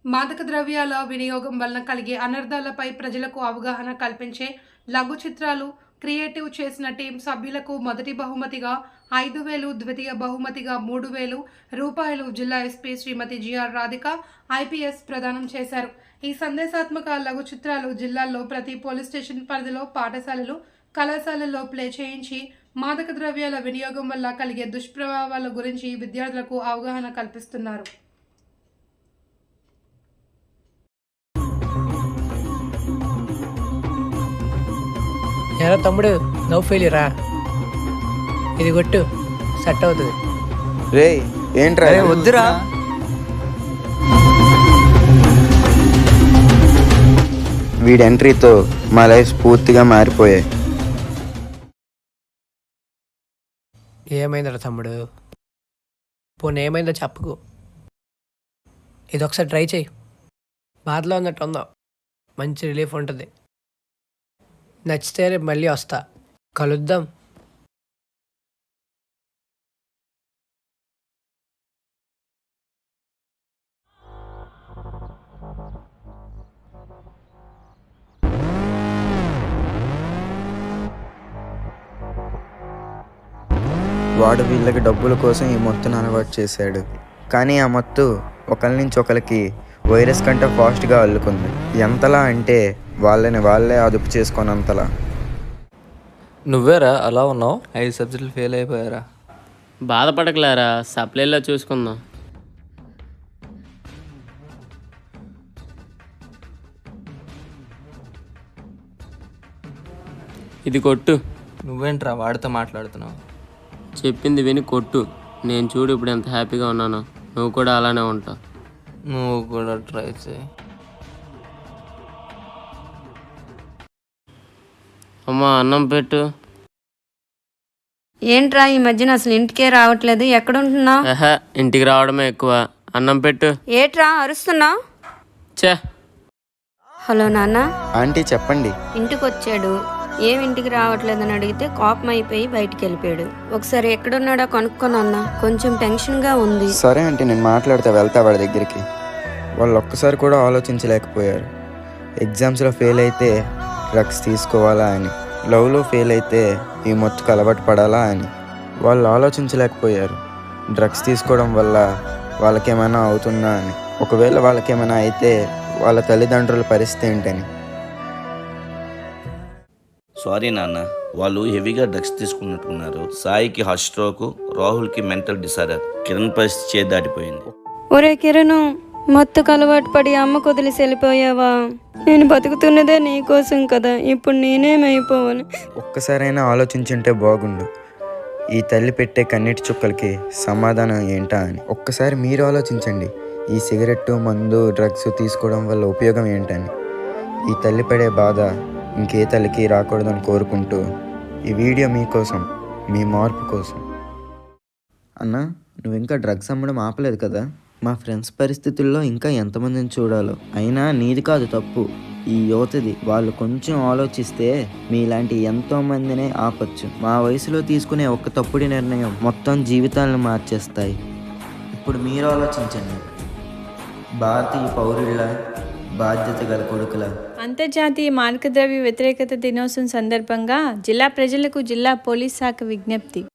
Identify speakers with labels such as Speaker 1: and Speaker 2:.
Speaker 1: మాదక ద్రవ్యాల వినియోగం వలన కలిగే అనర్థాలపై ప్రజలకు అవగాహన కల్పించే లఘు చిత్రాలు క్రియేటివ్ చేసిన టీం సభ్యులకు మొదటి బహుమతిగా 5,000, ద్వితీయ బహుమతిగా 3,000 రూపాయలు జిల్లా SP Srimathi G R Radhika IPS ప్రదానం చేశారు. ఈ సందేశాత్మక లఘు చిత్రాలు జిల్లాలో ప్రతి పోలీస్ స్టేషన్ పరిధిలో పాఠశాలలు, కళాశాలల్లో ప్లే చేయించి మాదక ద్రవ్యాల వినియోగం వల్ల కలిగే దుష్ప్రభావాల గురించి విద్యార్థులకు అవగాహన కల్పిస్తున్నారు.
Speaker 2: ఎరా తమ్ముడు, నో ఫెయిలియరా? ఇది కొట్టు, సెట్ అవుతుంది.
Speaker 3: రే ఏంట్రా?
Speaker 4: వద్దురా.
Speaker 3: వీడి ఎంట్రీతో మా లైఫ్ పూర్తిగా మారిపోయాయి.
Speaker 2: ఏమైందిరా తమ్ముడు? పోనీ ఏమైందో చెప్పుకో. ఇది ఒకసారి ట్రై చేయి. బాధలో ఉన్నట్టు ఉందాం, మంచి రిలీఫ్ ఉంటుంది. నచ్చితే రేపు మళ్ళీ వస్తా, కలుద్దాం.
Speaker 3: వాడు వీళ్ళకి డబ్బుల కోసం ఈ మత్తును అలవాటు చేశాడు. కానీ ఆ మత్తు ఒకరి నుంచి ఒకరికి వైరస్ కంటే ఫాస్ట్గా అల్లుకుంది. ఎంతలా అంటే వాళ్ళే అదుపు చేసుకోనంతలా.
Speaker 4: నువ్వేరా అలా ఉన్నావు? 5 సబ్జెక్టులు ఫెయిల్ అయిపోయారా?
Speaker 5: బాధపడకలేరా, సప్లైలో చూసుకుందాం. ఇది కొట్టు.
Speaker 4: నువ్వేంట్రా వాడితో మాట్లాడుతున్నావు?
Speaker 5: చెప్పింది విని కొట్టు. నేను చూడు ఇప్పుడు ఎంత హ్యాపీగా ఉన్నానో, నువ్వు కూడా అలానే ఉంటావు.
Speaker 4: నువ్వు కూడా ట్రై చేయి.
Speaker 5: అమ్మా అన్నం పెట్టు.
Speaker 6: ఏంట్రా ఈ మధ్యన అసలు ఇంటికే రావట్లేదు, ఎక్కడుంటున్నావు?
Speaker 5: ఇంటికి రావడమే ఎక్కువ. అన్నం పెట్టు.
Speaker 6: ఏట్రా అరుస్తున్నావు?
Speaker 5: చే.
Speaker 6: హలో నాన్న.
Speaker 3: ఆంటీ చెప్పండి.
Speaker 6: ఇంటికి వచ్చాడు, ఏం ఇంటికి రావట్లేదని అడిగితే కోపం అయిపోయి బయటికి వెళ్ళిపోయాడు. ఒకసారి ఎక్కడున్నాడో కనుక్కోనన్నా, కొంచెం టెన్షన్గా ఉంది.
Speaker 3: సరే ఆంటీ, నేను మాట్లాడితే వెళ్తా వాడి దగ్గరికి. వాళ్ళు ఒక్కసారి కూడా ఆలోచించలేకపోయారు. ఎగ్జామ్స్లో ఫెయిల్ అయితే డ్రగ్స్ తీసుకోవాలా అని, లవ్లో ఫెయిల్ అయితే ఈ మత్తుకు అలవాటు పడాలా అని వాళ్ళు ఆలోచించలేకపోయారు. డ్రగ్స్ తీసుకోవడం వల్ల వాళ్ళకేమైనా అవుతుందా అని, ఒకవేళ వాళ్ళకేమైనా అయితే వాళ్ళ తల్లిదండ్రుల పరిస్థితి ఏంటని.
Speaker 7: సారీ నాన్న, వాళ్ళు హెవీగా డ్రగ్స్ తీసుకున్నట్టున్నారు. సాయికి హార్ట్ స్ట్రోక్, రాహుల్కి మెంటల్ డిసార్డర్, కిరణ్ పరిస్థితి చేయి దాటిపోయింది.
Speaker 6: ఒరే కిరణ్, మత్తుకు అలవాటు పడి అమ్మకు వదిలేసి వెళ్ళిపోయావా? నేను బతుకుతున్నదే నీ కోసం కదా, ఇప్పుడు నేనేమైపోవాలి?
Speaker 3: ఒక్కసారైనా ఆలోచించుంటే బాగుండు. ఈ తల్లి పెట్టే కన్నీటి చుక్కలకి సమాధానం ఏంటా అని ఒక్కసారి మీరు ఆలోచించండి. ఈ సిగరెట్టు, మందు, డ్రగ్స్ తీసుకోవడం వల్ల ఉపయోగం ఏంటని. ఈ తల్లి పడే బాధ ఇంకే తల్లికి రాకూడదని కోరుకుంటూ ఈ వీడియో మీకోసం, మీ మార్పు కోసం. అన్నా, నువ్వు ఇంకా డ్రగ్స్ అమ్మడం ఆపలేదు కదా? మా ఫ్రెండ్స్ పరిస్థితుల్లో ఇంకా ఎంతమందిని చూడాలో. అయినా నీది కాదు తప్పు, ఈ యువతది. వాళ్ళు కొంచెం ఆలోచిస్తే మీలాంటి ఎంతో మందినే ఆపచ్చు. మా వయసులో తీసుకునే ఒక్క తప్పుడు నిర్ణయం మొత్తం జీవితాలను మార్చేస్తాయి. ఇప్పుడు మీరు ఆలోచించండి. భారతీయ పౌరుల బాధ్యత గల కొడుకుల.
Speaker 8: అంతర్జాతీయ మాదక ద్రవ్య వ్యతిరేకత దినోత్సవం సందర్భంగా జిల్లా ప్రజలకు జిల్లా పోలీస్ శాఖ విజ్ఞప్తి.